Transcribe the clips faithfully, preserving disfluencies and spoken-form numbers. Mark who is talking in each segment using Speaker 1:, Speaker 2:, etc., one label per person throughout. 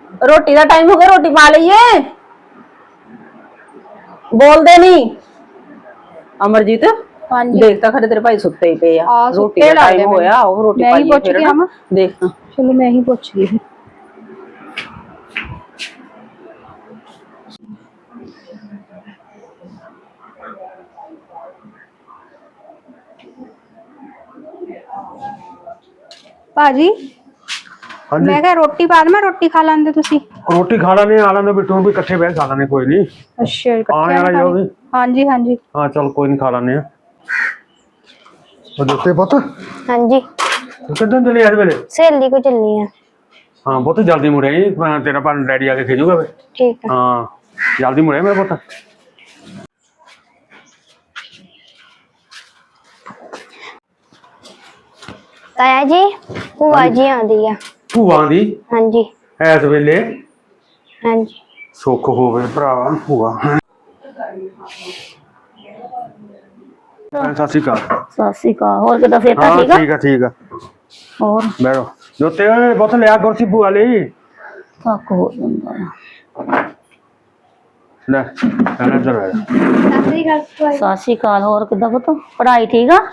Speaker 1: रोटी का टाइम हो गया, रोटी पा लीए। बोलते नहीं अमरजीत।
Speaker 2: हाँ जी।
Speaker 1: देखता खरे तेरे भाई सुते ही पे आ। रोटी का टाइम होया, और रोटी
Speaker 2: मैं ही
Speaker 1: पाइए
Speaker 2: पूछ
Speaker 1: फिर
Speaker 2: गया
Speaker 1: ना देखता।
Speaker 2: चलो मैं ही पूछ गई। भाजी
Speaker 3: हाँ जी
Speaker 2: मैं कहा रोटी पा मैं रोटी खा लेंदे तुसी।
Speaker 3: रोटी खा लाने आ लाने बिट्टू भी इकट्ठे बह खा लाने कोई नहीं।
Speaker 2: अच्छा
Speaker 3: हाँ यार जो भी
Speaker 2: हाँ जी हाँ जी
Speaker 3: हाँ चल कोई नहीं खा लाने दोस्ते पुत
Speaker 4: हाँ जी
Speaker 3: कितने चले आज वेले
Speaker 4: सहेली को चलनी है।
Speaker 3: हाँ बहुत जल्दी मुड़े तेरा भान डैडी आके खिजूगा
Speaker 4: ठीक है।
Speaker 3: हाँ जल्दी मुड़े मेरा पुत।
Speaker 4: ताया जी भूआ जी आंदी है।
Speaker 3: भूआ दी
Speaker 4: हाँ जी
Speaker 3: इस वेले
Speaker 4: हाँ जी
Speaker 3: सुख होवे भरावा भूआ। सत श्री अकाल।
Speaker 1: सत श्री अकाल। होर किदा सेहत
Speaker 3: हाँ
Speaker 1: ठीक है?
Speaker 3: ठीक है ठीक है
Speaker 1: और
Speaker 3: बैठो जोते बहुत लिया कुर्सी भूआ ली
Speaker 1: थक हो जांदा है।
Speaker 3: ले कहना इधर आ जा।
Speaker 1: सत श्री अकाल। होर किदा पुत पढ़ाई ठीक है?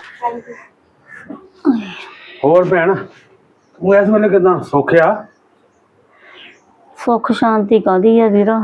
Speaker 3: ਹੋਰ ਭੈਣ ਤੂੰ ਇਸ ਵੇਲੇ ਕਿਦਾਂ ਸੌਖਿਆ?
Speaker 1: सुख शांति कादी है वीरा,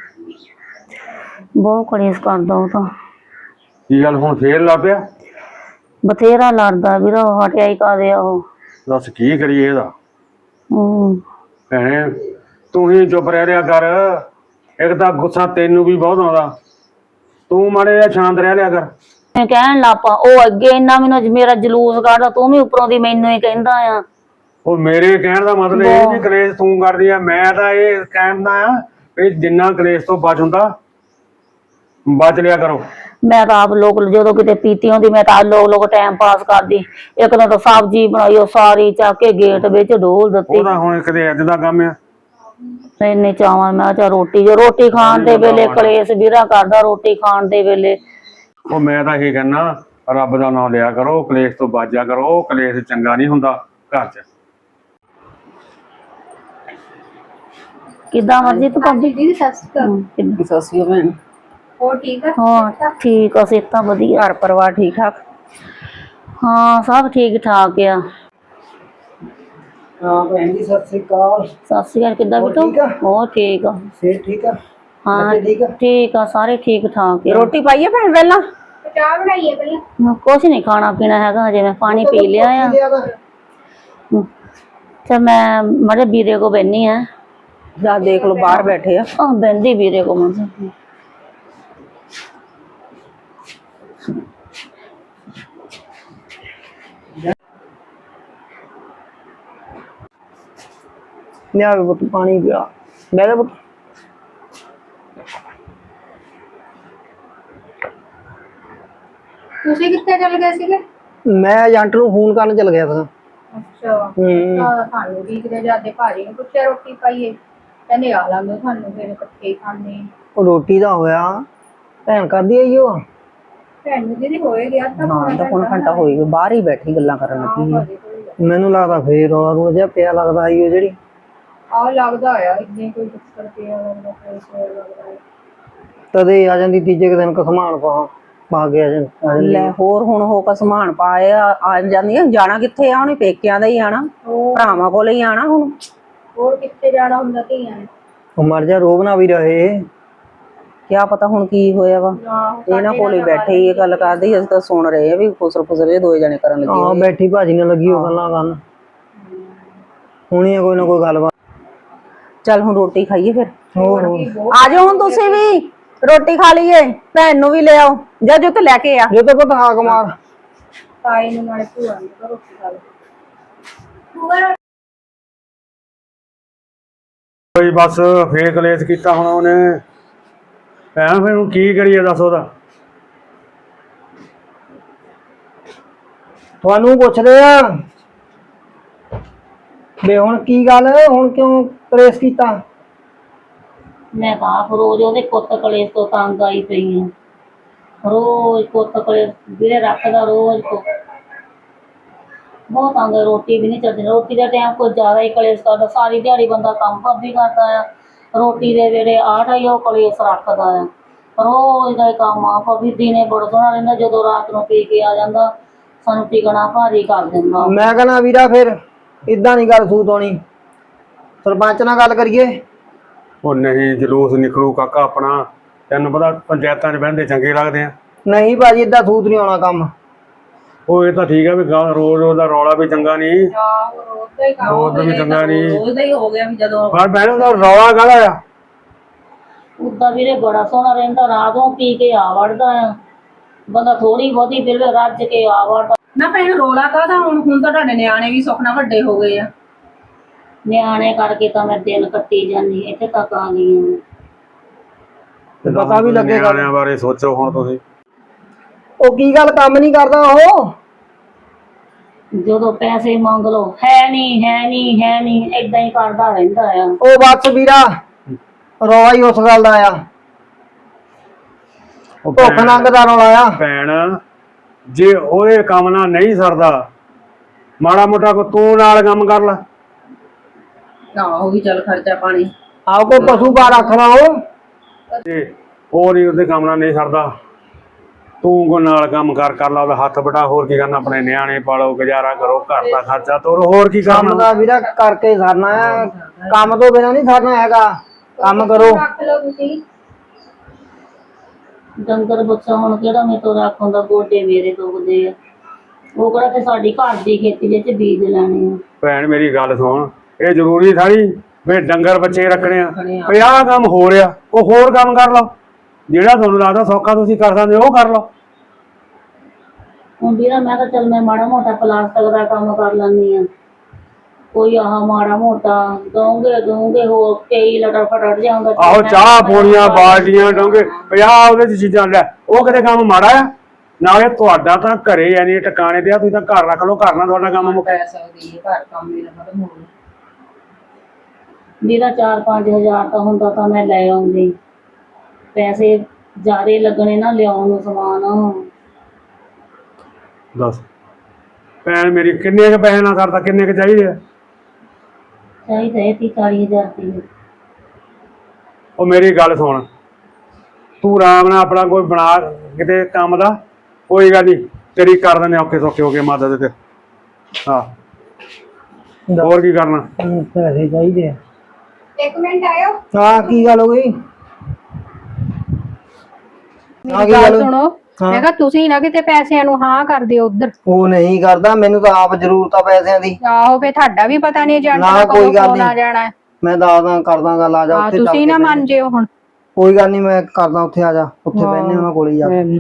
Speaker 1: बहुत कलेस करदा ਉਹ ਤਾਂ।
Speaker 3: ਕੀ ਗੱਲ ਹੁਣ ਫੇਰ ਲੱਗ ਪਿਆ?
Speaker 1: ਬਥੇਰਾ ਲੜਦਾ ਵੀਰਾ, ਹਟਿਆ ਹੀ ਕਾਦੇ ਆ ਉਹ।
Speaker 3: ਦੱਸ ਕੀ ਕਰੀਏ ਇਹਦਾ?
Speaker 1: ਹੂੰ
Speaker 3: ਭੈਣੇ ਤੂੰ ਹੀ ਚੁੱਪ ਰਹਿ ਰਿਹਾ ਕਰ। ਇੱਕ ਤਾਂ ਗੁੱਸਾ ਤੈਨੂੰ ਵੀ ਬਹੁਤ ਆਉਂਦਾ, ਤੂੰ ਮਾੜੇ ਜਿਹਾ ਸ਼ਾਂਤ ਰਹਿ ਲਿਆ ਕਰ।
Speaker 1: ਮੈਂ ਕਹਿਣ ਲੱਪਾ ਉਹ ਅੱਗੇ ਇੰਨਾ ਮੈਨੂੰ ਮੇਰਾ ਜਲੂਸ ਕੱਢਦਾ, ਤੂੰ ਵੀ ਉੱਪਰੋਂ ਦੀ ਮੈਨੂੰ ਹੀ ਕਹਿੰਦਾ ਆ।
Speaker 3: ਉਹ ਮੇਰੇ ਕਹਿਣ ਦਾ ਮਤਲਬ ਇਹ ਨਹੀਂ ਕਲੇਸ਼ ਤੂੰ ਕਰਦੀ ਆ, ਮੈਂ ਤਾਂ ਇਹ ਕਹਿੰਦਾ ਆ ਵੀ ਜਿੰਨਾ ਕਲੇਸ਼ ਤੋਂ ਬਚ ਹੁੰਦਾ ਬਚ ਲਿਆ ਕਰੋ।
Speaker 1: ਮੈਂ ਤਾਂ ਆਪ ਲੋਕ ਜਦੋਂ ਕਿਤੇ ਪੀਤੀ ਹੁੰਦੀ ਮੈਂ ਤਾਂ ਲੋਕ ਲੋਕ ਟਾਈਮ ਪਾਸ ਕਰਦੀ। ਇੱਕ ਦਿਨ ਤਾਂ ਸਬਜ਼ੀ ਬਣਾਈ ਉਹ ਸਾਰੀ ਚੱਕ ਕੇ ਗੇਟ ਵਿੱਚ ਡੋਲ ਦਿੱਤੀ।
Speaker 3: ਉਹਦਾ ਹੁਣ ਕਿਤੇ ਅੱਜ ਦਾ ਕੰਮ ਆ।
Speaker 1: ਇੰਨੇ ਚਾਵਾਂ ਮੈਂ ਚਾ ਰੋਟੀ ਜੋ ਰੋਟੀ ਖਾਣ ਦੇ ਵੇਲੇ ਕਲੇਸ਼ ਵੀਰਾ ਕਰਦਾ, ਰੋਟੀ ਖਾਣ ਦੇ ਵੇਲੇ।
Speaker 3: ਉਹ ਮੈਂ ਤਾਂ ਇਹ ਕਹਿੰਦਾ ਰੱਬ ਦਾ ਨਾਮ ਲਿਆ ਕਰੋ, ਕਲੇਸ਼ ਤੋਂ ਬਚ ਜਾ ਕਰੋ। ਕਲੇਸ਼ ਚੰਗਾ ਨਹੀਂ ਹੁੰਦਾ ਘਰ 'ਚ।
Speaker 1: ਕਿੱਦਾਂ ਮਰਜੀ ਤੂੰ ਭਾਬੀ
Speaker 2: दीदी सत श्री अकाल।
Speaker 1: ਸਤਿ ਸ਼੍ਰੀ ਅਕਾਲ ਭੈਣ।
Speaker 2: और ठीक है?
Speaker 1: ਹਾਂ ਠੀਕ ਆ, ਸਿਹਤਾਂ ਵਧੀਆ।
Speaker 5: घर परिवार ठीक ठाक?
Speaker 1: ਹਾਂ ਸਭ ਠੀਕ ਠਾਕ ਆ।
Speaker 5: हाँ भैन जी सत श्री अकाल।
Speaker 1: ਸਤਿ ਸ਼੍ਰੀ ਅਕਾਲ। ਕਿੱਦਾਂ
Speaker 5: ਹੋਰ
Speaker 1: ਬਿਟੂ?
Speaker 5: ਠੀਕ ਆ?
Speaker 1: ਹੋਰ ਠੀਕ ਆ।
Speaker 5: सेहत ठीक है?
Speaker 1: ਹਾਂ
Speaker 5: बच्चे ठीक है?
Speaker 1: ਠੀਕ ਆ, ਸਾਰੇ ਠੀਕ ਠਾਕ ਆ।
Speaker 5: रोटी पाइए भैन वेला?
Speaker 2: चाय बनाई है पहले?
Speaker 1: ਕੁਛ ਨਹੀਂ ਖਾਣਾ ਪੀਣਾ ਹੈਗਾ ਹਜੇ, ਮੈਂ ਪਾਣੀ ਪੀ ਲਿਆ ਆ। ਤੇ ਮੈਂ ਮੜੇ ਵੀਰੇ ਕੋ ਬੈਣੀ ਆ।
Speaker 5: जा देख लो बाहर बैठे हैं।
Speaker 1: ਆਹ ਬੈਂਦੀ ਵੀਰੇ ਕੋ ਮੈਂ।
Speaker 5: लिया पुत पानी पिया बह जा पुत।
Speaker 2: ਤੁਸੀਂ ਕਿੱਥੇ ਚਲ ਗਏ ਸੀਗੇ?
Speaker 5: मैं एजेंट ਨੂੰ ਫੋਨ ਕਰਨ ਚਲ ਗਿਆ ਸੀ।
Speaker 2: ਅੱਛਾ ਤਾਂ ਤੁਹਾਨੂੰ ਵੀ ਕਿਤੇ ਜਾਂਦੇ ਭਾਜੀ ਨੂੰ ਪੁੱਛਿਆ ਰੋਟੀ ਪਾਈਏ, ਕਹਿੰਦੇ ਆ ਲਾਂਗੇ ਤੁਹਾਨੂੰ ਫਿਰ ਇਕੱਠੇ ਹੀ ਖਾਣੇ।
Speaker 5: ਉਹ ਰੋਟੀ ਦਾ ਹੋਇਆ ਭੈਣ ਕਰਦੀ ਆਈ ਉਹ।
Speaker 2: ਭੈਣ ਨੂੰ ਦੀਦੀ ਹੋਏ ਗਿਆ ਤਾਂ
Speaker 5: ਹਾਂ ਤਾਂ ਹੁਣ ਘੰਟਾ ਹੋਈ ਗਿਆ, ਬਾਹਰ ਹੀ ਬੈਠੀ ਗੱਲਾਂ ਕਰਨ ਲੱਗੀ।
Speaker 2: ਭਾਜੀ
Speaker 5: ਮੈਨੂੰ ਲੱਗਦਾ ਫੇਰ ਰੌਲਾ ਰੂਲਾ ਜਿਹਾ ਪਿਆ ਲੱਗਦਾ ਆਈ ਉਹ ਜਿਹੜੀ।
Speaker 2: ਆ ਲੱਗਦਾ ਆ ਇੰਨੇ ਕੋਈ ਚੱਕਰ ਪਿਆ ਲੱਗਦਾ ਕੋਈ ਸੋਰ ਲੱਗਦਾ।
Speaker 5: ਤਦੇ ਆ ਜਾਂਦੀ ਤੀਜੇ ਕੁ ਦਿਨ ਕਸਮਾਨ ਪਾ ਪਾ ਕੇ ਆ ਜਾਂਦੀ।
Speaker 6: ਲੈ ਹੋਰ ਹੁਣ ਹੋ ਕੇ ਸਮਾਨ ਪਾਏ ਆ ਜਾਂਦੀਆਂ, ਜਾਣਾ ਕਿੱਥੇ ਆ ਉਹਨੇ? ਪੇਕਿਆਂ ਦਾ ਹੀ ਆਣਾ, ਭਰਾਵਾਂ ਕੋਲ ਹੀ ਆਣਾ ਹੁਣ।
Speaker 2: ਹੋਰ ਕਿੱਥੇ ਜਾਣਾ ਹੁੰਦਾ ਧੀਆਂ ਨੇ?
Speaker 5: ਉਹ ਮਰ ਜਾ ਰੋਬ ਨਾ ਵੀ ਰਹੇ।
Speaker 6: ਕਿਆ ਪਤਾ ਹੁਣ ਕੀ ਹੋਇਆ ਵਾ। ਇਹਨਾਂ ਕੋਲ ਹੀ ਬੈਠੇ ਹੀ ਇਹ ਗੱਲ ਕਰਦੇ, ਅਸੀਂ ਤਾਂ ਸੁਣ ਰਹੇ ਆ ਵੀ ਫੁਸਰ ਫੁਸਰ ਇਹ ਦੋਏ ਜਣੇ ਕਰਨ ਲੱਗੇ।
Speaker 5: ਹਾਂ ਬੈਠੀ ਭਾਜੀ ਨਾਲ ਲੱਗੀ ਉਹ ਗੱਲਾਂ ਕਰਨ। ਹੁਣੀ ਕੋਈ ਨਾ ਕੋਈ ਗੱਲਬਾਤ।
Speaker 6: ਚੱਲ ਹੁਣ ਰੋਟੀ ਖਾਈਏ ਫਿਰ।
Speaker 5: ਹੋਰ
Speaker 1: ਆ ਜਾਓ ਹੁਣ ਤੁਸੀਂ ਵੀ ਰੋਟੀ ਖਾ ਲਈਏ, ਭੈਣ ਨੂੰ ਵੀ ਲੈ ਆਓ ਜਾਂ ਜੋ ਤੇ ਲੈ ਕੇ ਆ।
Speaker 5: ਜੇ ਤਾਂ ਪਤਾ ਹਾਕ ਮਾਰ
Speaker 2: ਤਾਈ ਨੂੰ ਨਾਲੇ ਭੂਆ ਨੂੰ ਤਾਂ ਰੋਟੀ ਖਾ ਲਓ।
Speaker 3: ਕੋਈ ਬਸ ਫੇਰ ਕਲੇਸ਼ ਕੀਤਾ ਹੁਣ ਉਹਨੇ। ਭੈਣ ਫਿਰ ਹੁਣ ਕੀ ਕਰੀਏ ਦੱਸ ਉਹਦਾ?
Speaker 5: ਤੁਹਾਨੂੰ ਪੁੱਛਦੇ ਆ ਬੇ ਹੁਣ ਕੀ ਗੱਲ, ਹੁਣ ਕਿਉਂ ਕਲੇਸ਼ ਕੀਤਾ?
Speaker 1: ਮੈਂ ਤਾਂ ਆਪ ਰੋਜ਼ ਉਹਦੇ ਕੁੱਤ ਕਲੇਸ਼ ਤੋਂ ਤੰਗ ਆਈ ਪਈ ਆ। ਰੋਜ਼ ਕੁੱਤ ਕਲੇਸ਼ ਵੀਰੇ ਰੱਖਦਾ, ਰੋਜ਼ ਬਹੁਤ ਤੰਗ ਹੈ, ਰੋਟੀ ਵੀ ਨਹੀਂ ਚੱਲਦੀ। ਰੋਟੀ ਦਾ ਟਾਈਮ ਕੁਝ ਜ਼ਿਆਦਾ ਹੀ ਕਲੇਸ਼ ਕਰਦਾ, ਸਾਰੀ ਦਿਹਾੜੀ ਬੰਦਾ ਕੰਮ ਭਾਬੀ ਕਰਦਾ ਆ, ਰੋਟੀ ਦੇ ਵੇਲੇ ਆਟਾ ਹੀ ਉਹ ਕਲੇਸ਼ ਰੱਖਦਾ ਆ। ਰੋਜ਼ ਦਾ ਹੀ ਕੰਮ ਆ। ਭਾਬੀ ਦਿਨੇ ਬੜਾ ਸੋਹਣਾ ਰਹਿੰਦਾ, ਜਦੋਂ ਰਾਤ ਨੂੰ ਪੀ ਕੇ ਆ ਜਾਂਦਾ ਸਾਨੂੰ ਟਿਕਣਾ ਭਾਰੀ ਕਰ ਦਿੰਦਾ।
Speaker 5: ਮੈਂ ਕਹਿੰਦਾ ਵੀਰਾ ਫਿਰ ਇਦਾਂ ਨਹੀਂ ਗੱਲ ਸੂਤ ਹੋਣੀ, ਸਰਪੰਚ ਨਾਲ ਗੱਲ ਕਰੀਏ।
Speaker 3: ਉਹ ਨਹੀਂ, ਜਲੂਸ ਨਿਕਲੂ ਕਾਕਾ ਆਪਣਾ, ਤੈਨੂੰ ਪਤਾ ਪੰਚਾਇਤਾਂ 'ਚ ਬਹਿੰਦੇ ਚੰਗੇ ਲੱਗਦੇ ਆ।
Speaker 5: ਨਹੀਂ ਭਾਜੀ ਇਦਾਂ ਸੂਤ ਨਹੀਂ ਆਉਣਾ ਕੰਮ।
Speaker 3: ਉਹ ਇਹ ਤਾਂ ਠੀਕ ਆ ਵੀ ਗਾਂ ਰੋਜ਼ ਰੋਜ਼ ਦਾ ਰੌਲਾ ਵੀ ਚੰਗਾ ਨਹੀਂ,
Speaker 2: ਆਹੋ ਰੋਜ਼ ਦਾ ਹੀ ਕੰਮ
Speaker 3: ਰੋਜ਼ ਦਾ ਵੀ ਚੰਗਾ ਨਹੀਂ।
Speaker 2: ਰੋਜ਼ ਦਾ ਹੀ ਹੋ ਗਿਆ ਵੀ ਜਦੋਂ
Speaker 3: ਪਰ ਭੈਣ ਦਾ ਰੌਲਾ ਕਾਹਦਾ ਆ?
Speaker 1: ਉਦਾਂ ਵੀਰੇ ਬੜਾ ਸੋਹਣਾ ਰਹਿੰਦਾ, ਰਾਤ ਨੂੰ ਪੀ ਕੇ ਆ ਵੜਦਾ ਆ ਬੰਦਾ, ਥੋੜੀ ਬਹੁਤੀ ਫਿਰ ਰੱਜ ਕੇ ਆ ਵੜਦਾ।
Speaker 2: ਨਾ ਭੈਣ ਰੋਲਾ ਕਾਹਦਾ, ਹੁਣ ਹੁਣ ਤਾਂ ਤੁਹਾਡੇ ਨਿਆਣੇ ਵੀ ਸੁਖਣਾ ਵੱਡੇ ਹੋ ਗਏ ਆ।
Speaker 1: ਨਿਆਣੇ ਕਰਕੇ ਤਾਂ ਮੈਂ ਦਿਨ ਕੱਟੀ ਜਾਂਦੀ, ਇੱਥੇ ਤੱਕ ਆ ਗਈ ਹਾਂ।
Speaker 5: ਤੇ ਪਤਾ ਵੀ ਲੱਗੇਗਾ।
Speaker 3: ਨਿਆਣਿਆਂ ਬਾਰੇ ਸੋਚੋ ਹੁਣ ਤੁਸੀਂ।
Speaker 5: ਉਹ ਕੀ ਗੱਲ ਕੰਮ ਨਹੀਂ ਕਰਦਾ ਉਹ?
Speaker 1: ਜਦੋਂ ਪੈਸੇ ਮੰਗ ਲਓ, ਹੈ ਨਹੀਂ ਹੈ ਨਹੀਂ ਹੈ ਨਹੀਂ, ਏਦਾਂ ਹੀ ਕਰਦਾ ਰਹਿੰਦਾ ਆ।
Speaker 5: ਉਹ ਬਸ ਵੀਰਾ ਰੌਲਾ ਹੀ ਉਸ ਗੱਲ ਦਾ ਆ,
Speaker 3: ਉਹ
Speaker 5: ਭੁੱਖ
Speaker 3: ਭੈਣ-
Speaker 5: ਨੰਗ ਦਾ ਰੌਲਾ ਆ।
Speaker 3: ਭੈਣ ਜੇ ਉਹਦੇ ਕੰਮ ਨਾਲ ਨਹੀਂ ਸਰਦਾ, ਮਾੜਾ ਮੋਟਾ ਕੋ ਤੂੰ ਨਾਲ ਕੰਮ ਕਰ ਲੈ।
Speaker 2: ਆਹੋ ਵੀ ਚੱਲ ਖਰਚਾ ਪਾਣੀ।
Speaker 5: ਆਹ ਕੋਈ ਪਸ਼ੂ ਪਾ ਰੱਖ ਲਾ ਉਹ।
Speaker 3: ਤੇ ਉਹ ਨਹੀਂ ਉਹਦੇ ਕੰਮ ਨਾਲ ਨਹੀਂ ਸਰਦਾ, ਤੂੰ ਕੋ ਨਾਲ ਕੰਮ ਕਰ ਕਰ ਲਾ, ਉਹਦਾ ਹੱਥ ਬਟਾ। ਹੋਰ ਕੀ ਕਰਨਾ, ਆਪਣੇ ਨਿਆਣੇ ਪਾਲੋ, ਗੁਜ਼ਾਰਾ ਕਰੋ, ਘਰ ਦਾ ਖਰਚਾ ਤੋਰੋ, ਹੋਰ ਕੀ
Speaker 5: ਕੰਮ
Speaker 3: ਕਰਨਾ।
Speaker 5: ਦਾ ਵੀਰਾ ਕਰਕੇ ਸਰਨਾ ਆ, ਕੰਮ ਤੋਂ ਬਿਨਾਂ ਨਹੀਂ ਸਰਨਾ ਹੈਗਾ। ਕੰਮ ਕਰੋ।
Speaker 2: ਰੱਖ ਲਓ ਤੁਸੀਂ।
Speaker 1: ਡੰਗਰ ਬੱਚਾ ਹੁਣ ਕਿਹੜਾ ਮੇਰੇ ਤੋਂ ਰੱਖ ਹੁੰਦਾ, ਗੋਡੇ ਮੇਰੇ ਦੁਖਦੇ ਆ। ਉਹ ਕਿਹੜਾ ਤੇ ਸਾਡੀ ਘਰ ਦੀ ਖੇਤੀ ਵਿੱਚ ਬੀਜ ਲੈਣੇ ਆ।
Speaker 3: ਭੈਣ ਮੇਰੀ ਗੱਲ ਸੁਣ, ਇਹ ਜ਼ਰੂਰੀ ਸਾਰੀ ਵੀ ਡੰਗਰ ਬੱਚੇ ਰੱਖਣੇ ਆ। ਵੀ ਆਹ ਕੰਮ ਹੋ ਰਿਹਾ, ਉਹ ਹੋਰ ਕੰਮ ਕਰ ਲਓ, ਜਿਹੜਾ ਤੁਹਾਨੂੰ ਲੱਗਦਾ ਸੌਖਾ ਤੁਸੀਂ ਕਰ ਸਕਦੇ ਉਹ ਕਰ ਲਓ।
Speaker 1: ਹੁਣ ਵੀਰਾ ਮੈਂ ਤਾਂ ਚੱਲ ਮੈਂ ਮਾੜਾ ਮੋਟਾ ਪਲਾਸਟਿਕ ਦਾ ਕੰਮ ਕਰ ਲੈਂਦੀ ਆ, ਕੋਈ ਆਹ ਮਾੜਾ ਮੋਟਾ ਦਊਂਗੇ ਦਊਂਗੇ ਹੋਰ ਕਈ ਲਟਰ ਫਟੜ ਜਾਂਦਾ।
Speaker 3: ਆਹੋ ਚਾਹ ਪੋਣੀਆਂ, ਬਾਲਟੀਆਂ, ਡੋਂਗੇ, ਪੰਜਾਹ ਉਹਦੇ ਚ ਚੀਜ਼ਾਂ ਲੈ, ਉਹ ਕਿਤੇ ਕੰਮ ਮਾੜਾ ਆ? ਨਾਲੇ ਤੁਹਾਡਾ ਤਾਂ ਘਰੇ ਯਾਨੀ ਟਿਕਾਣੇ ਤੇ ਆ, ਤੁਸੀਂ ਤਾਂ ਘਰ ਰੱਖ ਲਓ, ਘਰ ਨਾਲ ਤੁਹਾਡਾ ਕੰਮ ਮੁੱਕ।
Speaker 2: ਪੈ ਸਕਦੀ ਹੈ, ਘਰ ਕੰਮ ਵੀ ਨਾ ਖਤਮ ਹੋਵੇ।
Speaker 1: ਵੀਰਾ ਚਾਰ ਪੰਜ ਹਜ਼ਾਰ ਤਾਂ ਹੁੰਦਾ ਤਾਂ ਮੈਂ ਲੈ ਆਉਂਦੀ, ਪੈਸੇ ਜ਼ਿਆਦੇ ਲੱਗਣੇ ਨਾ ਲਿਆਉਣ ਨੂੰ ਸਮਾਨ।
Speaker 3: ਦੱਸ ਭੈਣ ਮੇਰੀ, ਕਿੰਨੇ ਕੁ ਪੈਸੇ ਨਾਲ ਕਰਦਾ, ਕਿੰਨੇ ਕੁ ਚਾਹੀਦੇ ਆ?
Speaker 1: ਚਾਹੀਦਾ ਤੀਹ ਚਾਲੀ ਹਜ਼ਾਰ ਰੁਪਏ।
Speaker 3: ਉਹ ਮੇਰੀ ਗੱਲ ਸੁਣ, ਤੂੰ ਆਰਾਮ ਨਾਲ ਆਪਣਾ ਕੋਈ ਬਣਾ ਕਿਤੇ ਕੰਮ ਦਾ, ਕੋਈ ਗੱਲ ਨਹੀਂ, ਤੇਰੀ ਕਰ ਦਿੰਦੇ ਔਖੇ ਸੌਖੇ ਹੋ ਕੇ ਮਦਦ ਤੇ। ਹਾਂ ਹੋਰ ਕੀ ਕਰਨਾ?
Speaker 5: ਪੈਸੇ ਚਾਹੀਦੇ ਆ।
Speaker 2: ਇੱਕ ਮਿੰਟ ਆਇਓ।
Speaker 5: ਹਾਂ ਕੀ ਗੱਲ ਹੋ ਗਈ? ਹਾਂ ਕੀ
Speaker 2: ਗੱਲ
Speaker 5: ਗੱਲ?
Speaker 2: ਸੁਣੋ, ਮੈਂ ਕਿਹਾ ਤੁਸੀਂ ਨਾ ਕਿਤੇ ਪੈਸਿਆਂ ਨੂੰ ਹਾਂ ਕਰ ਦਿਓ ਉਧਰ।
Speaker 5: ਉਹ ਨਹੀਂ ਕਰਦਾ, ਮੈਨੂੰ ਤਾਂ ਆਪ ਜ਼ਰੂਰਤ ਆ ਪੈਸਿਆਂ ਦੀ।
Speaker 2: ਆਹੋ ਫੇ ਤੁਹਾਡਾ ਵੀ ਪਤਾ ਨਹੀਂ ਏਜੰਟ
Speaker 5: ਨਾ
Speaker 2: ਦਾ
Speaker 5: ਕੋਈ
Speaker 2: ਕਦੋਂ
Speaker 5: ਗੱਲ
Speaker 2: ਫੋਨ ਆ
Speaker 5: ਨਹੀਂ।
Speaker 2: ਜਾਣਾ।
Speaker 5: ਮੈਂ ਦੱਸਦਾ ਕਰਦਾ ਗੱਲ, ਆ ਜਾ
Speaker 2: ਹਾਂ
Speaker 5: ਉੱਥੇ ਚੱਲ
Speaker 2: ਤੁਸੀਂ
Speaker 5: ਕੇ
Speaker 2: ਨਾ
Speaker 5: ਬਹਿ
Speaker 2: ਮੰਨ ਜਿਓ ਹੁਣ।
Speaker 5: ਕੋਈ ਗੱਲ ਨਹੀਂ, ਮੈਂ ਕਰਦਾ ਉੱਥੇ, ਆ ਜਾ ਉੱਥੇ ਬਹਿਨੇ ਉਹਨਾਂ ਕੋਲ ਹੀ ਜਾ ਕੇ।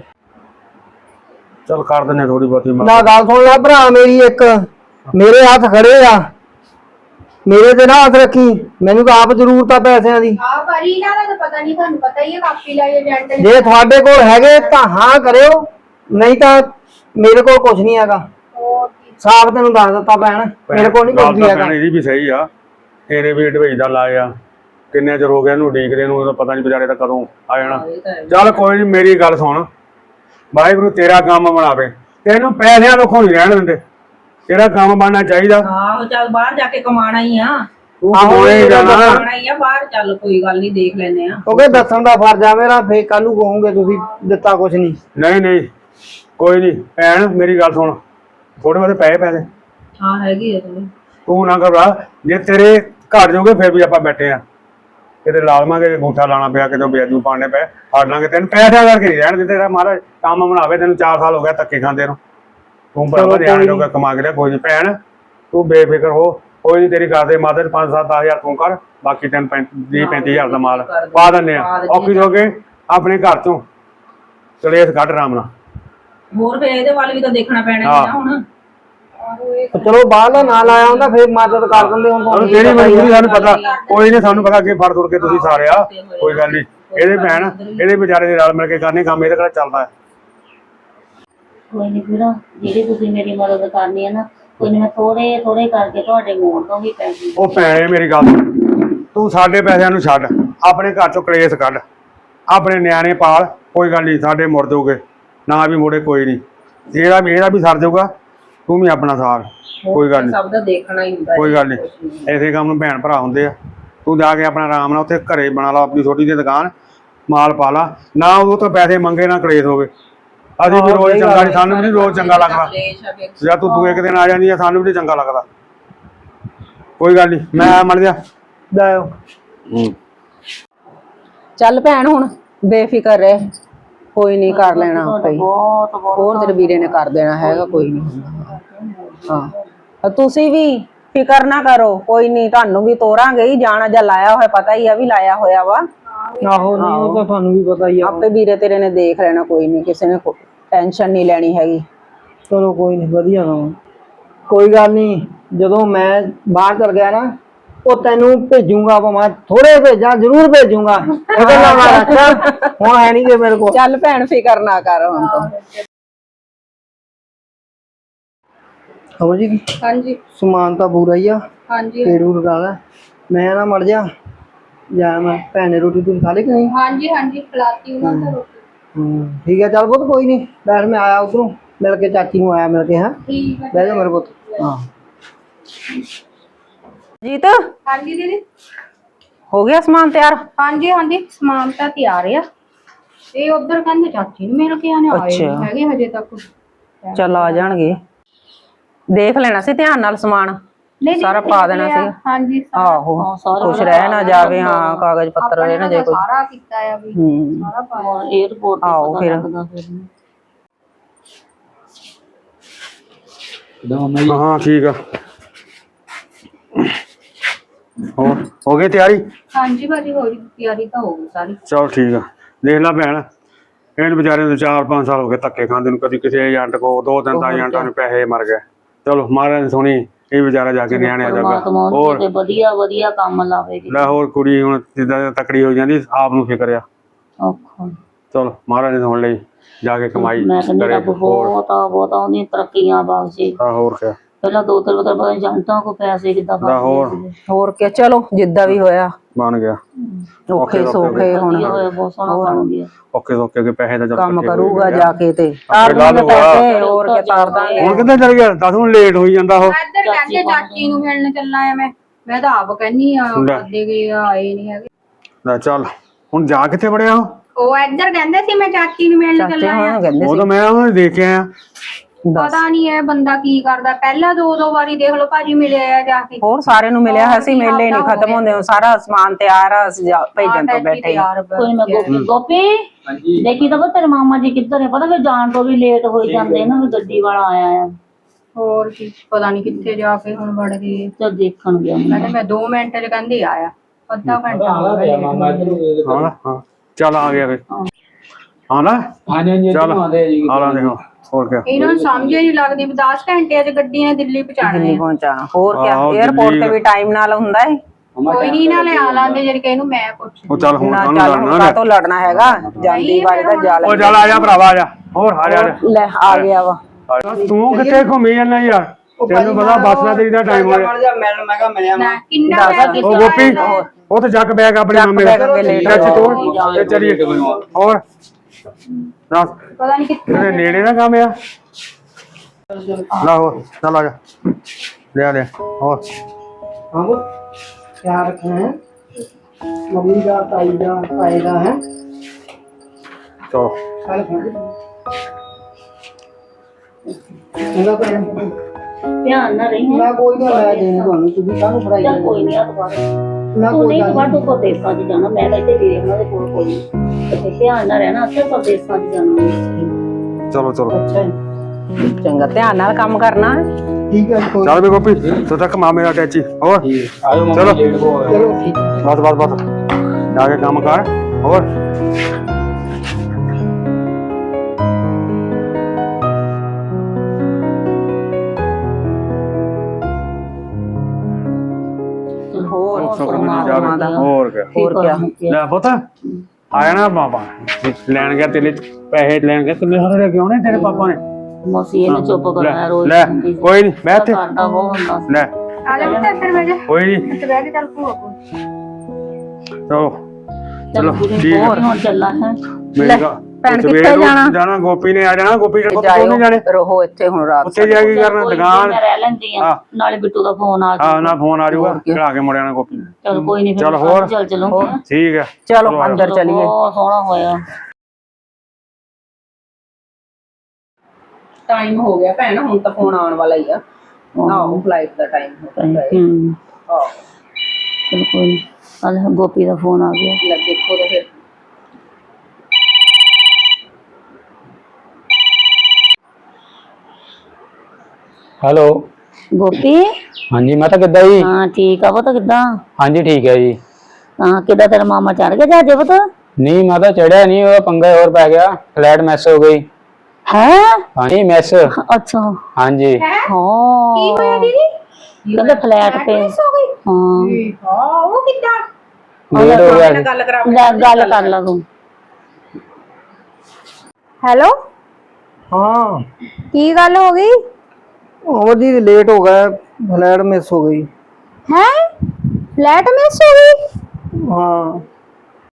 Speaker 3: ਚੱਲ ਕਰ ਦਿੰਦੇ ਥੋੜੀ ਬਹੁਤੀ ਮਦਦ।
Speaker 5: ਨਾ ਗੱਲ ਸੁਣ ਲੈ ਭਰਾ ਮੇਰੀ, ਇੱਕ ਮੇਰੇ ਹੱਥ ਖੜੇ ਆ, ਮੇਰੇ ਤੇ ਨਾ ਹੱਥ ਰੱਖੀ, ਮੈਨੂੰ ਤਾਂ ਆਪ ਜ਼ਰੂਰਤ ਆ ਪੈਸਿਆਂ ਦੀ।
Speaker 2: ਆ ਭਾਜੀ ਇਹਨਾਂ ਦਾ ਤਾਂ ਪਤਾ ਨਹੀਂ, ਤੁਹਾਨੂੰ ਪਤਾ ਹੀ ਹੈ ਕਾਪੀ ਲਾਈ ਏਜੰਟ ਨੇ।
Speaker 5: ਜੇ ਤੁਹਾਡੇ ਕੋਲ ਹੈਗੇ ਤਾਂ ਹਾਂ ਕਰਿਓ, ਨਹੀਂ ਤਾਂ ਮੇਰੇ ਕੋਲ ਕੁਝ ਨਹੀਂ ਹੈਗਾ। ਸਾਫ ਤੈਨੂੰ ਦੱਸ ਦਿੱਤਾ ਭੈਣ, ਮੇਰੇ ਕੋਲ ਨਹੀਂ ਕੁਝ ਵੀ ਹੈਗਾ।
Speaker 3: ਇਹਦੀ ਵੀ ਸਹੀ ਆ, ਇਹਨੇ ਵੀ ਢਵੇਈ ਦਾ ਲਾਇਆ, ਕਿੰਨੇ ਚਿਰ ਹੋ ਗਿਆ ਇਹਨੂੰ ਉਡੀਕਦੇ ਨੂੰ, ਉਹਦਾ ਪਤਾ ਨਹੀਂ ਵਿਚਾਰੇ ਦਾ ਕਦੋਂ ਆ ਜਾਣਾ। ਚੱਲ ਕੋਈ ਨਹੀਂ, ਮੇਰੀ ਗੱਲ ਸੁਣ, ਵਾਹਿਗੁਰੂ ਤੇਰਾ ਕੰਮ ਬਣਾਵੇ, ਤੈਨੂੰ ਪੈਸਿਆਂ ਤੋਂ ਨਹੀਂ ਰਹਿਣ ਦਿੰਦੇ, ਤੇਰਾ ਕੰਮ ਬਣਨਾ ਚਾਹੀਦਾ।
Speaker 2: ਆਹੋ ਚੱਲ ਬਾਹਰ ਜਾ ਕੇ ਕਮਾਣਾ ਹੀ ਆ,
Speaker 3: ਤੂੰ ਕਮਾਉਣੇ ਹੀ ਜਾਣਾ।
Speaker 2: ਕਮਾਣਾ ਹੀ ਆ ਬਾਹਰ, ਚੱਲ ਕੋਈ ਗੱਲ ਨਹੀਂ, ਦੇਖ ਲੈਨੇ ਆ।
Speaker 5: ਕਿਉਂਕਿ ਦੱਸਣ ਦਾ ਫਰਜ਼ ਆ ਮੇਰਾ, ਫੇਰ ਕੱਲ ਨੂੰ ਕਹੋਗੇ ਤੁਸੀਂ ਦਿੱਤਾ ਕੁਝ ਨਹੀਂ।
Speaker 3: ਨਹੀਂ ਨਹੀਂ ਕੋਈ ਨਹੀਂ ਭੈਣ, ਮੇਰੀ ਗੱਲ ਸੁਣ, ਥੋੜੇ ਬਹੁਤੇ ਪੈਸੇ ਪੈਸੇ
Speaker 2: ਹਾਂ ਹੈਗੀ ਆ ਥੋੜੀ।
Speaker 3: ਤੂੰ ਨਾ ਘਬਰਾ, ਜੇ ਤੇਰੇ ਘਰ ਜਾਓਗੇ ਫਿਰ ਵੀ ਆਪਾਂ ਬੈਠੇ ਆ, ਕਿਤੇ ਲਾਲਮਾਂਗੇ ਗੂਠਾ ਲਾਣਾ ਪਿਆ, ਕਿਤੇ ਵਿਆਜੂ ਪਾਣੇ ਪਏ, ਹੱਡ ਲਾਂਗੇ, ਤੈਨੂੰ ਪੈਸਿਆਂ ਕਰਕੇ ਨਹੀਂ ਰਹਿਣ ਦਿੰਦੇ। ਤੇਰਾ ਮਹਾਰਾਜ ਕੰਮ ਬਣਾਵੇ, ਤੈਨੂੰ ਚਾਰ ਸਾਲ ਹੋ ਗਿਆ ਧੱਕੇ ਖਾਂਦੇ ਨੂੰ, ਤੂੰ ਬਰਾਬਰ ਧਿਆਨ ਜੋਗਾ ਕਮਾ ਕੇ ਲਿਆ। ਕੋਈ ਨਹੀਂ ਭੈਣ, ਤੂੰ ਬੇਫਿਕਰ ਹੋ, ਕੋਈ ਨਹੀਂ, ਤੇਰੀ ਕਰਦੇ ਮਦਦ, ਪੰਜ ਸੱਤ ਦਸ ਹਜ਼ਾਰ ਤੂੰ ਕਰ, ਬਾਕੀ ਤੈਨੂੰ ਵੀਹ ਪੈਂਤੀ ਹਜ਼ਾਰ ਦਾ ਮਾਲ ਪਾ ਦਿੰਦੇ ਆ। ਔਖੀ ਹੋ ਕੇ ਆਪਣੇ ਘਰ ਚੋਂ ਕਲੇਸ਼ ਕੱਢ ਆਰਾਮ ਨਾਲ।
Speaker 2: ਹੋਰ ਫੇ ਇਹਦੇ ਵੱਲ ਵੀ ਤਾਂ ਦੇਖਣਾ ਪੈਣਾ ਹੀ ਆ ਹੁਣ।
Speaker 5: ਚਲੋ ਬਾਹਰ ਦਾ ਨਾਂ ਲਾਇਆ ਹੁੰਦਾ, ਫੇਰ ਮਦਦ ਕਰ ਦਿੰਦੇ। ਹੁਣ
Speaker 3: ਸਾਨੂੰ ਤੇਰੀ ਮਜਬੂਰੀ ਸਾਨੂੰ ਪਤਾ, ਕੋਈ ਨਹੀਂ, ਸਾਨੂੰ ਪਤਾ ਅੱਗੇ ਫੜ ਤੁਰ ਕੇ ਤੁਸੀਂ ਸਾਰੇ ਆ, ਕੋਈ ਗੱਲ ਨਹੀਂ। ਇਹਦੇ ਭੈਣ, ਇਹਦੇ ਵਿਚਾਰੇ ਦੇ ਰਲ ਮਿਲ ਕੇ ਕਰਨੇ ਕੰਮ, ਇਹਦੇ ਕੋਲ ਚੱਲਦਾ ਹੈ।
Speaker 1: ਕੋਈ ਨਹੀਂ ਵੀਰਾ, ਜਿਹੜੀ ਤੁਸੀਂ ਮੇਰੀ ਮਦਦ ਕਰਨੀ ਹੈ ਨਾ, ਕੋਈ ਨਹੀਂ, ਮੈਂ ਥੋੜੇ ਥੋੜੇ ਕਰਕੇ ਤੁਹਾਡੇ ਮੋੜ ਦਊਂਗੀ ਪੈਸੇ।
Speaker 3: ਉਹ ਭੈਣੇ ਮੇਰੀ ਗੱਲ ਸੁਣ, ਤੂੰ ਸਾਡੇ ਪੈਸਿਆਂ ਨੂੰ ਛੱਡ, ਆਪਣੇ ਘਰ ਚੋਂ ਕਲੇਸ਼ ਕੱਢ, ਆਪਣੇ ਨਿਆਣੇ ਪਾਲ, ਕੋਈ ਗੱਲ ਨਹੀਂ, ਸਾਡੇ ਮੁੜ ਜਾਊਗੇ, ਨਾ ਵੀ ਮੋੜੇ ਕੋਈ ਨਹੀਂ, ਜਿਹੜਾ ਵੀ ਇਹਦਾ ਵੀ ਸਰ ਜਾਊਗਾ। ਤੂੰ ਵੀ ਆਪਣਾ ਸਾਰ, ਕੋਈ ਗੱਲ ਨਹੀਂ,
Speaker 6: ਸਭ ਦਾ ਦੇਖਣਾ ਹੀ ਹੁੰਦਾ
Speaker 3: ਕੋਈ ਗੱਲ ਨਹੀਂ, ਐਸੇ ਕੰਮ ਨੂੰ ਭੈਣ ਭਰਾ ਹੁੰਦੇ ਆ। ਤੂੰ ਜਾ ਕੇ ਆਪਣਾ ਆਰਾਮ ਨਾਲ ਉੱਥੇ ਘਰੇ ਬਣਾ ਲਾ ਆਪਣੀ ਛੋਟੀ ਜਿਹੀ ਦੁਕਾਨ, ਮਾਲ ਪਾ ਲਾ, ਨਾ ਉਹ ਤੋਂ ਪੈਸੇ ਮੰਗੇ ਨਾ ਕਲੇਸ਼ ਹੋਵੇ। ਅਸੀਂ ਵੀ ਰੋਜ਼ ਚੰਗਾ ਨਹੀਂ, ਸਾਨੂੰ ਵੀ ਨਹੀਂ ਰੋਜ਼ ਚੰਗਾ ਲੱਗਦਾ। ਜਾਂ ਤੂੰ ਤੂੰ ਇੱਕ ਦਿਨ ਆ ਜਾਂਦੀ ਆ, ਸਾਨੂੰ ਵੀ ਨਹੀਂ ਚੰਗਾ ਲੱਗਦਾ। ਕੋਈ ਗੱਲ ਨਹੀਂ, ਮੈਂ ਮੜ ਜਾ
Speaker 5: ਜਾਇਓ।
Speaker 6: ਚੱਲ ਭੈਣ ਹੁਣ ਬੇਫਿਕਰ ਰਹਿ, ਕੋਈ ਨਹੀਂ ਕਰ ਲੈਣਾ ਭਾਈ,
Speaker 1: ਬਹੁਤ ਬਹੁਤ
Speaker 6: ਹੋਰ ਤੇਰੇ ਵੀਰੇ ਨੇ ਕਰ ਦੇਣਾ ਹੈਗਾ, ਕੋਈ ਨਹੀਂ। ਹਾਂ ਤੁਸੀਂ ਵੀ ਫਿਕਰ ਨਾ ਕਰੋ, ਕੋਈ ਨਹੀਂ, ਤੁਹਾਨੂੰ ਵੀ ਤੋਰਾਂਗੇ ਹੀ, ਜਾਣਾ ਜਾਂ ਲਾਇਆ ਹੋਇਆ ਪਤਾ ਹੀ ਆ ਵੀ ਲਾਇਆ ਹੋਇਆ ਵਾ।
Speaker 5: ਆਹੋ ਨਹੀਂ ਉਹ ਤਾਂ ਤੁਹਾਨੂੰ ਵੀ ਪਤਾ ਹੀ ਆ।
Speaker 6: ਆਪੇ ਵੀਰੇ ਤੇਰੇ ਨੇ ਦੇਖ ਲੈਣਾ, ਕੋਈ ਨਹੀਂ, ਕਿਸੇ ਨੇ ਟੈਨਸ਼ਨ ਨਹੀਂ ਲੈਣੀ ਹੈਗੀ।
Speaker 5: ਚਲੋ ਕੋਈ ਨਹੀਂ, ਵਧੀਆ ਗਾ। ਕੋਈ ਗੱਲ ਨਹੀਂ, ਜਦੋਂ ਮੈਂ ਬਾਹਰ ਚਲ ਗਿਆ ਨਾ ਉਹ ਤੈਨੂੰ ਭੇਜੂਗਾ, ਭਾਵੇਂ ਥੋੜੇ ਭੇਜਾਂ, ਜ਼ਰੂਰ ਭੇਜੂਗਾ। ਇਹਦੇ ਨਾਲ ਨਾ ਰੱਖ, ਹੁਣ ਹੈ ਨਹੀਂ ਜੇ ਮੇਰੇ ਕੋਲ।
Speaker 6: ਚੱਲ ਭੈਣ ਫਿਕਰ ਨਾ ਕਰ ਹੁਣ ਤੋਂ।
Speaker 5: ਖਬਰ ਜੀ
Speaker 2: ਹਾਂਜੀ
Speaker 5: ਸਮਾਨ ਤਾਂ ਪੂਰਾ ਹੀ ਆ,
Speaker 2: ਹਾਂਜੀ
Speaker 5: ਫੇਰੂ ਲਗਾ ਲੈ। ਮੈਂ ਨਾ ਮਰ ਜਾ ਜਾ ਮੈਂ ਭੈਣ ਨੇ ਰੋਟੀ ਤੁਸੀਂ ਖਾ ਲਈ ਕਿ ਨਹੀਂ?
Speaker 2: ਹਾਂਜੀ ਹਾਂਜੀ ਖਿਲਾਤੀ ਉਹਨਾਂ ਨੂੰ ਰੋਟੀ।
Speaker 5: ਹੂੰ ਠੀਕ ਹੈ, ਚੱਲ ਪੁੱਤ ਕੋਈ ਨਹੀਂ, ਬੈਠ, ਮੈਂ ਆਇਆ ਉਧਰੋਂ ਮਿਲ ਕੇ, ਚਾਚੀ ਨੂੰ ਆਇਆ ਮਿਲ ਕੇ। ਹਾਂ
Speaker 2: ਠੀਕ ਹੈ
Speaker 5: ਬਹਿ ਜਾ ਮੇਰੇ ਪੁੱਤ। ਹਾਂ
Speaker 6: ਜੀਤ
Speaker 2: ਹਾਂਜੀ ਦੀਦੀ।
Speaker 6: ਹੋ ਗਿਆ ਸਮਾਨ ਤਿਆਰ?
Speaker 2: ਹਾਂਜੀ ਹਾਂਜੀ ਸਮਾਨ ਤਾਂ ਤਿਆਰ ਆ। ਇਹ ਉਧਰ ਕਹਿੰਦੇ ਚਾਚੀ ਨੂੰ ਮਿਲ ਕੇ ਆਣੇ, ਆਏ
Speaker 6: ਅੱਛਾ।
Speaker 2: ਨਹੀਂ ਹੈਗੇ ਹਜੇ ਤੱਕ।
Speaker 6: ਚੱਲ ਆ ਜਾਣਗੇ, ਦੇਖ ਲੈਣਾ ਸੀ ਧਿਆਨ ਨਾਲ ਸਮਾਨ,
Speaker 2: ਨਹੀਂ
Speaker 6: ਸਾਰਾ ਪਾ ਦੇਣਾ ਸੀ।
Speaker 2: ਹਾਂਜੀ ਸਾਰਾ
Speaker 6: ਆਹੋ ਕੁਛ ਰਹਿ ਨਾ ਜਾਵੇ, ਹਾਂ ਕਾਗਜ਼ ਪੱਤਰ ਰਹਿ ਨਾ ਜਾਏ ਕੋਈ।
Speaker 2: ਸਾਰਾ ਕੀਤਾ ਆ ਵੀ,
Speaker 6: ਹੂੰ
Speaker 2: ਸਾਰਾ ਪਾਇਆ।
Speaker 1: 에어ਪੋਰਟ ਤੇ
Speaker 6: ਆਓ
Speaker 1: ਪਤਾ
Speaker 6: ਫਿਰ।
Speaker 1: ਲੱਗਦਾ ਫਿਰ।
Speaker 3: ਹਾਂ ਠੀਕ ਆ। ਹੋਰ ਹੋ ਗਈ ਤਿਆਰੀ?
Speaker 2: ਹਾਂਜੀ ਭਾਜੀ ਹੋ ਗਈ ਤਿਆਰੀ ਤਾਂ ਹੋ ਗਈ ਸਾਰੀ।
Speaker 3: ਚਲ ਠੀਕ ਆ। ਦੇਖ ਲੈ ਭੈਣ, ਇਹਨ ਵਿਚਾਰੇ ਨੂੰ ਚਾਰ ਪੰਜ ਸਾਲ ਹੋ ਗਏ ਧੱਕੇ ਖਾਂਦੇ ਨੂੰ, ਕਦੀ ਕਿਸੇ ਏਜੰਟ ਕੋ, ਦੋ ਤਿੰਨ ਤਾਂ ਏਜੰਟਾਂ ਨੂੰ ਪੈਸੇ ਮਰ ਗਏ। ਚਲੋ ਮਹਾਰਾਜ ਨੇ ਸੁਣੀ, ਇਹ ਵਿਚਾਰਾ ਜਾ ਕੇ ਨਿਆਣਿਆ ਜੋਗਾ।
Speaker 1: ਪਰਮਾਤਮਾ ਉਹਨੂੰ
Speaker 3: ਹੋਰ
Speaker 1: ਕਿਤੇ ਵਧੀਆ ਵਧੀਆ ਕੰਮ ਲਾਵੇਗੀ।
Speaker 3: ਲੈ ਹੋਰ ਕੁੜੀ ਹੁਣ ਜਿੱਦਾਂ ਤਕੜੀ ਹੋ ਜਾਂਦੀ, ਆਪ ਨੂੰ ਫਿਕਰ ਆ।
Speaker 1: ਔਖਾ
Speaker 3: ਚਲੋ ਮਹਾਰਾਜ ਨੇ ਸੁਣ ਲਈ, ਜਾ ਕੇ ਕਮਾਈ
Speaker 1: ਮੈਂ ਕਹਿੰਦੀ
Speaker 3: ਕਰੇ।
Speaker 1: ਰੱਬ
Speaker 3: ਹੋਰ
Speaker 1: ਬਹੁਤਾ ਬਹੁਤਾ ਉਹਦੀਆਂ ਤਰੱਕੀਆਂ ਬਖਸ਼ੇ।
Speaker 3: ਆ ਹੋਰ ਕਿਆ।
Speaker 1: ਪਹਿਲਾਂ ਦੋ ਤਿੰਨ ਪਤਾ ਪਤਾ ਏਜੰਟਾਂ ਕੋ ਪੈਸੇ ਕਿੱਦਾਂ
Speaker 3: ਲੈ ਹੋਰ
Speaker 1: ਫਸਦੇ ਸੀਗੇ।
Speaker 6: ਹੋਰ ਕੀ, ਚਲੋ ਜਿੱਦਾਂ ਵੀ ਹੋਇਆ
Speaker 3: ਬਣ ਗਿਆ।
Speaker 6: ਔਖੇ ਸੌਖੇ ਹੁਣ
Speaker 1: ਵਧੀਆ ਹੋਇਆ, ਬਹੁਤ ਸੋਹਣਾ ਬਣ ਗਿਆ।
Speaker 3: ਓਕੇ ਓਕੇ ਕੇ ਪੈਸੇ ਦਾ ਚੱਲ
Speaker 6: ਕੰਮ
Speaker 3: ਇਕੱਠੇ ਹੋਏ
Speaker 6: ਕਰੂਗਾ
Speaker 3: ਗਏ।
Speaker 6: ਜਾ ਕੇ ਤੇ
Speaker 3: ਆਪੇ ਲਾ
Speaker 6: ਤਾਰ ਦਾਂਗੇ
Speaker 3: ਲਊਗਾ।
Speaker 6: ਪੈਸੇ, ਹੋਰ ਕੀ ਤਾਰ ਦਾਂਗੇ।
Speaker 3: ਹੁਣ ਕਿੱਦਾਂ ਚੱਲ ਗਿਆ? ਦੱਸ, ਹੁਣ ਲੇਟ ਹੋਈ ਜਾਂਦਾ ਉਹ।
Speaker 2: ਇੱਧਰ ਕਹਿੰਦੇ ਚਾਚੀ ਨੂੰ ਮਿਲਣ ਚੱਲਣਾ ਆ। ਮੈਂ ਮੈਂ ਤਾਂ ਆਪ ਕਹਿੰਨੀ ਆ, ਕਰਦੇ ਗਏ ਆ, ਆਏ ਨਹੀਂ ਹੈਗੇ।
Speaker 3: ਲੈ ਚੱਲ, ਹੁਣ ਜਾ ਕਿੱਥੇ ਵੜਿਆ ਉਹ?
Speaker 2: ਉਹ ਇੱਧਰ ਕਹਿੰਦੇ ਸੀ ਮੈਂ ਚਾਚੀ ਨੂੰ ਮਿਲਣ
Speaker 6: ਚਾਚੇ
Speaker 2: ਚੱਲਣਾ ਆ।
Speaker 6: ਹੁਣ ਕਹਿੰਦੇ
Speaker 3: ਉਹ ਤਾਂ ਮੈਂ ਉਹਨੂੰ ਦੇਖ ਕੇ ਆਇਆ।
Speaker 2: ਪਤਾ ਨਹੀਂ ਇਹ ਬੰਦਾ ਕੀ ਕਰਦਾ। ਪਹਿਲਾਂ ਦੋ ਦੋ ਵਾਰੀ ਦੇਖ ਲਓ ਭਾਜੀ ਮਿਲਿਆ ਆ ਜਾ ਕੇ।
Speaker 6: ਹੋਰ ਸਾਰੇ ਨੂੰ ਮਿਲਿਆ ਹੋਇਆ ਸੀ, ਮੇਲੇ ਨਹੀਂ ਖਤਮ ਹੁੰਦੇ, ਸਾਰਾ ਸਮਾਨ ਤਿਆਰ ਆ, ਅਸੀਂ ਜਾ- ਭੇਜਣ ਤੋਂ ਬੈਠੇ ਹਾਂ।
Speaker 1: ਕੋਈ ਮੈਂ ਗੋਪੀ ਗੋਪੀ ਦੇਖੀ ਤਾਂ ਤੇਰੇ ਮਾਮਾ ਜੀ ਕਿੱਧਰ ਨੇ, ਪਤਾ ਫਿਰ ਜਾਣ ਤੋਂ ਵੀ ਲੇਟ ਹੋ ਜਾਂਦੇ ਨਾ, ਵੀ ਗੱਡੀ ਵਾਲਾ ਆਇਆ ਆ।
Speaker 2: ਹੋਰ ਕੀ ਪਤਾ ਨਹੀਂ ਕਿੱਥੇ ਜਾ ਕੇ ਹੁਣ ਵੜ ਗਏ।
Speaker 1: ਚੱਲ ਦੇਖਣ ਗਿਆ ਮੈਂ।
Speaker 2: ਕਹਿੰਦੇ ਮੈਂ ਦੋ ਮਿੰਟ ਚ ਕਹਿੰਦੇ ਆਇਆ, ਅੱਧਾ ਘੰਟਾ ਹੋ ਗਿਆ।
Speaker 3: ਹਾਂ ਨਾ, ਹਾਂ ਚੱਲ ਆ ਗਿਆ ਫਿਰ। ਹਾਂ ਨਾ,
Speaker 7: ਹਾਂਜੀ ਹਾਂਜੀ
Speaker 3: ਚੱਲ ਆ ਲਾ ਦੇਖੋ। ਹੋਰ ਕਿਆ।
Speaker 2: ਇਹਨਾਂ ਨੂੰ ਸਮਝ ਹੀ ਨਹੀਂ ਲੱਗਦੀ ਵੀ ਦਸ ਘੰਟਿਆਂ ਚ ਗੱਡੀ ਨੇ ਦਿੱਲੀ ਪਹੁੰਚਾਣਾ
Speaker 6: ਦਿੱਲੀ
Speaker 2: ਹੈ।
Speaker 6: ਪਹੁੰਚਾਣਾ, ਹੋਰ ਕੀ,
Speaker 3: ਆਹੋ,
Speaker 6: 에어ਪੋਰਟ ਤੇ
Speaker 3: ਦਿੱਲੀ-
Speaker 6: ਵੀ ਟਾਈਮ ਨਾਲ ਹੁੰਦਾ ਹੈ।
Speaker 2: ਕੋਈ ਨਹੀਂ ਨਾਲੇ ਆ ਲਾਂਦੇ ਜਿਹੜੇ ਕਿ ਇਹਨੂੰ ਮੈਂ ਪੁੱਛ
Speaker 3: ਉਹ ਚੱਲ ਹੁਣ
Speaker 6: ਨਾ
Speaker 3: ਕਾਹਨੂੰ
Speaker 6: ਚੱਲ
Speaker 3: ਲੜਨਾ
Speaker 6: ਹੁਣ
Speaker 3: ਲੈ।
Speaker 6: ਕਾਹਤੋਂ ਲੜਨਾ ਹੈਗਾ, ਜਾਂਦੀ ਵਾਰੀ ਤਾਂ ਜਾ
Speaker 3: ਉਹ ਚੱਲ ਆ ਜਾ ਭਰਾਵਾ, ਆ ਜਾ। ਹੋਰ ਆ ਜਾ ਆ ਜਾ।
Speaker 6: ਲੈ ਆ ਗਿਆ ਵਾ।
Speaker 3: ਤੂੰ ਕਿੱਥੇ ਘੁੰਮੀ ਜਾਂਦਾ ਯਾਰ? ਤੈਨੂੰ ਪਤਾ ਬੱਸ ਦਾ ਤੇਰੀ ਦਾ ਟਾਈਮ ਹੋ ਗਿਆ।
Speaker 5: ਜਾ ਮਿਲਣ, ਮੈਂ ਕਿਹਾ ਮਿਲਿਆ
Speaker 2: ਨਾ
Speaker 5: ਮੈਂ।
Speaker 2: ਕਿੰਨਾ ਮੈਂ
Speaker 3: ਉਹ ਗੋਪੀ, ਉਹ ਤੇ ਚੱਕ ਬੈਗ ਆਪਣੇ ਮਾਮੇ
Speaker 6: ਬੈਗ ਅੱਗੇ ਲੇਟ
Speaker 3: ਚਾਚੀ
Speaker 6: ਹੋ
Speaker 3: ਤੋੜ ਤੇ ਚਲੀਏ। ਹੋਰ ਦੱਸ,
Speaker 2: ਪਤਾ ਨਹੀਂ ਕਿੱਥੇ
Speaker 3: ਤੇਰੇ ਨੇੜੇ ਦਾ ਕੰਮ ਆ? ਲਾ ਹੋਰ ਚੱਲ ਆ ਜਾ, ਲੈ ਆ ਲੈ। ਹੋਰ
Speaker 5: ਹਾਂ ਬੋ ਕਿਆ ਰੱਖਣਾ ਹੈ? ਮੰਮੀ ਦਾ, ਤਾਈ ਦਾ, ਤਾਏ ਦਾ ਹੈ।
Speaker 3: ਚਲੋ
Speaker 5: ਕੱਲ ਫੜ ਇਹਦਾ ਕੋਈ
Speaker 1: ਧਿਆਨ ਨਾਲ ਰਹੀ ਹੈ।
Speaker 5: ਮੈਂ ਕੋਈ ਨਾ ਲੈ ਦੇਣੀ ਤੁਹਾਨੂੰ, ਤੁਸੀਂ ਕਾਹਨੂੰ ਫੜਾਈ
Speaker 1: ਚੱਲ
Speaker 5: ਜਾਂਦੇ?
Speaker 1: ਕੋਈ ਨਹੀਂ, ਆ ਦੁਬਾਰਾ
Speaker 5: ਮੈਂ
Speaker 1: ਤੂੰ
Speaker 5: ਕੋਈ
Speaker 1: ਨਹੀਂ
Speaker 5: ਗੱਲ
Speaker 1: ਦੁਬਾਰਾ ਤੂੰ ਪਰਦੇਸਾਂ 'ਚ ਜਾਣਾ, ਮੈਂ ਤਾਂ ਇੱਥੇ ਵੀਰੇ ਉਹਨਾਂ ਦੇ ਕੋਲ ਕੋਈ ਤੇ ਧਿਆਨ ਨਾਲ ਰਹਿਣਾ, ਉੱਥੇ ਪਰਦੇਸਾਂ 'ਚ ਜਾਣਾ।
Speaker 3: ਚਲੋ ਚਲੋ
Speaker 5: ਅੱਛਾ ਜੀ,
Speaker 6: ਚੰਗਾ ਧਿਆਨ ਨਾਲ ਕੰਮ ਕਰਨਾ।
Speaker 5: ਠੀਕ ਹੈ ਕੋਈ
Speaker 3: ਚੱਲ ਵੀ ਗੋਪੀ, ਤੂੰ ਤੱਕ ਮਾਮੇ ਦਾ ਟੈਚੀ। ਹੋਰ
Speaker 7: ਆਜੋ ਮੰਮੀ
Speaker 3: ਚਲੋ।
Speaker 7: ਲੇਟ ਹੋ ਗਿਆ।
Speaker 5: ਚਲੋ ਠੀਕ ਹੈ।
Speaker 3: ਬਸ ਬਸ ਬਸ, ਜਾ ਕੇ ਕੰਮ ਕਰ। ਹੋਰ
Speaker 6: ਹੋਰ
Speaker 1: ਪਰਮਾਤਮਾ ਦਾ।
Speaker 3: ਹੋਰ ਕਿਆ।
Speaker 6: ਹੋਰ ਕਿਆ।
Speaker 3: ਲੈ ਪੁੱਤ ਆਇਆ ਨਾ ਪਾਪਾ ਲੈਣ ਗਿਆ, ਤੇਰੇ ਪੈਸੇ ਲੈਣ ਗਿਆ। ਕਿੰਨੇ ਸਾਰੇ ਲੈ ਕੇ ਆਉਣੇ ਤੇਰੇ ਪਾਪਾ ਨੇ?
Speaker 1: ਮਸੀਂ ਇਹਨੇ ਚੁੱਪ ਕਰਾਇਆ ਰੋਜ਼।
Speaker 3: ਲੈ ਕੋਈ ਨਹੀਂ, ਮੈਂ ਇੱਥੇ
Speaker 1: ਕਰਦਾ ਉਹ ਹੁੰਦਾ ਸੀ।
Speaker 3: ਲੈ
Speaker 2: ਆ ਜਾ ਮੈਂ ਇੱਧਰ ਬਹਿ ਜਾ।
Speaker 3: ਕੋਈ ਨਹੀਂ,
Speaker 2: ਇੱਥੇ ਬਹਿ ਕੇ ਚੱਲ ਭੂਆ ਕੋਲ।
Speaker 3: ਚਲੋ
Speaker 1: ਚਲੋ
Speaker 3: ਚਲੋ ਠੀਕ ਹੈ।
Speaker 1: ਹੁਣ ਚੱਲਾ ਹੈ।
Speaker 3: ਮੇਰੀ ਗੱਲ
Speaker 6: ਭੈਣ
Speaker 3: ਸਵੇਰ
Speaker 6: ਕਿੱਥੇ
Speaker 3: ਨੂੰ
Speaker 6: ਜਾਣਾ
Speaker 3: ਜਾਣਾ ਗੋਪੀ ਨੇ ਆ ਜਾਣਾ ਗੋਪੀ ਦੇ ਪੁੱਤ
Speaker 6: ਜਾਇਓ,
Speaker 3: ਨਹੀਂ ਜਾਣੇ
Speaker 6: ਰਹੋ ਇੱਥੇ ਹੁਣ ਰਾਤ
Speaker 3: ਉੱਥੇ ਜਾ ਕੇ ਕਰਨਾ
Speaker 1: ਕੋਈ ਨੀ,
Speaker 3: ਦੁਕਾਨ
Speaker 1: ਮੈਂ ਰਹਿ ਲੈਂਦੀ ਆ
Speaker 3: ਹਾਂ।
Speaker 1: ਨਾਲੇ ਬਿੱਟੂ ਦਾ ਫੋਨ ਆ
Speaker 3: ਹਾਂ
Speaker 1: ਗਿਆ
Speaker 3: ਨਾ ਫੋਨ ਆ ਜਾਊਗਾ ਚੜਾ ਕੇ ਮੁੜਿਆ ਨਾ ਗੋਪੀ ਨੂੰ।
Speaker 1: ਚਲ ਕੋਈ ਨਹੀਂ
Speaker 3: ਚੱਲ ਹੋਰ।
Speaker 1: ਚੱਲ ਚਲੂੰਗੀ
Speaker 3: ਠੀਕ ਹੈ
Speaker 6: ਚਲੋ ਅੰਦਰ ਚਲੀਏ
Speaker 1: ਬਹੁਤ ਸੋਹਣਾ ਹੋਇਆ
Speaker 6: ਟਾਈਮ ਹੋ ਗਿਆ ਭੈਣ ਹੁਣ ਤਾਂ ਫੋਨ ਆਉਣ ਵਾਲਾ ਹੀ ਆ ਆਹੋ ਫਲਾਈਟ ਦਾ ਟਾਈਮ ਹੋ ਗਿਆ
Speaker 1: ਹੂੰ
Speaker 6: ਆਹੋ
Speaker 1: ਚਲ ਕੋਈ ਨੀ। ਕੱਲ ਗੋਪੀ ਦਾ ਫੋਨ ਆ ਗਿਆ
Speaker 6: ਲੈ ਦੇਖੋ ਤਾਂ ਫਿਰ
Speaker 7: ਹੈਲੋ
Speaker 1: ਗੋਪੀ
Speaker 7: ਹਾਂਜੀ ਮਾਤਾ ਕਿੱਦਾਂ ਜੀ
Speaker 1: ਹਾਂ ਠੀਕ ਆ ਪੁੱਤ ਕਿੱਦਾਂ
Speaker 7: ਹਾਂਜੀ ਠੀਕ ਹੈ ਜੀ
Speaker 1: ਹਾਂ ਕਿੱਦਾਂ ਤੇਰਾ ਮਾਮਾ ਚੜ ਗਿਆ ਜਹਾਜ਼ੇ ਪੁੱਤ
Speaker 7: ਨਹੀਂ ਮਾਤਾ ਚੜਿਆ ਨਹੀਂ ਉਹ ਪੰਗਾ ਹੋਰ ਪੈ ਗਿਆ ਫਲੈਟ ਮਿਸ ਹੋ ਗਈ
Speaker 1: ਹੈ
Speaker 7: ਹਾਂਜੀ ਮਿਸ
Speaker 1: ਅੱਛਾ
Speaker 7: ਹਾਂਜੀ
Speaker 1: ਹਾਂ
Speaker 2: ਕੀ ਹੋਇਆ ਦੀਦੀ
Speaker 1: ਕਹਿੰਦੇ ਫਲੈਟ ਤੇ
Speaker 2: ਹੋ ਗਈ
Speaker 1: ਹਾਂ
Speaker 2: ਹਾਂ ਉਹ ਕਿੱਦਾਂ
Speaker 7: ਲੇਟ ਹੋ ਗਿਆ ਜੀ।
Speaker 6: ਗੱਲ ਕਰਾ
Speaker 1: ਲੈ ਗੱਲ ਕਰ ਲਾ ਤੂੰ
Speaker 4: ਹੈਲੋ
Speaker 5: ਹਾਂ
Speaker 4: ਕੀ ਗੱਲ ਹੋ ਗਈ
Speaker 5: ਅਮਰਜੀਤ ਲੇਟ ਹੋ ਗਿਆ ਫਲੈਟ ਮਿਸ ਹੋ ਗਈ
Speaker 4: ਹੈ ਫਲੈਟ ਮਿਸ ਹੋ ਗਈ
Speaker 5: ਹਾਂ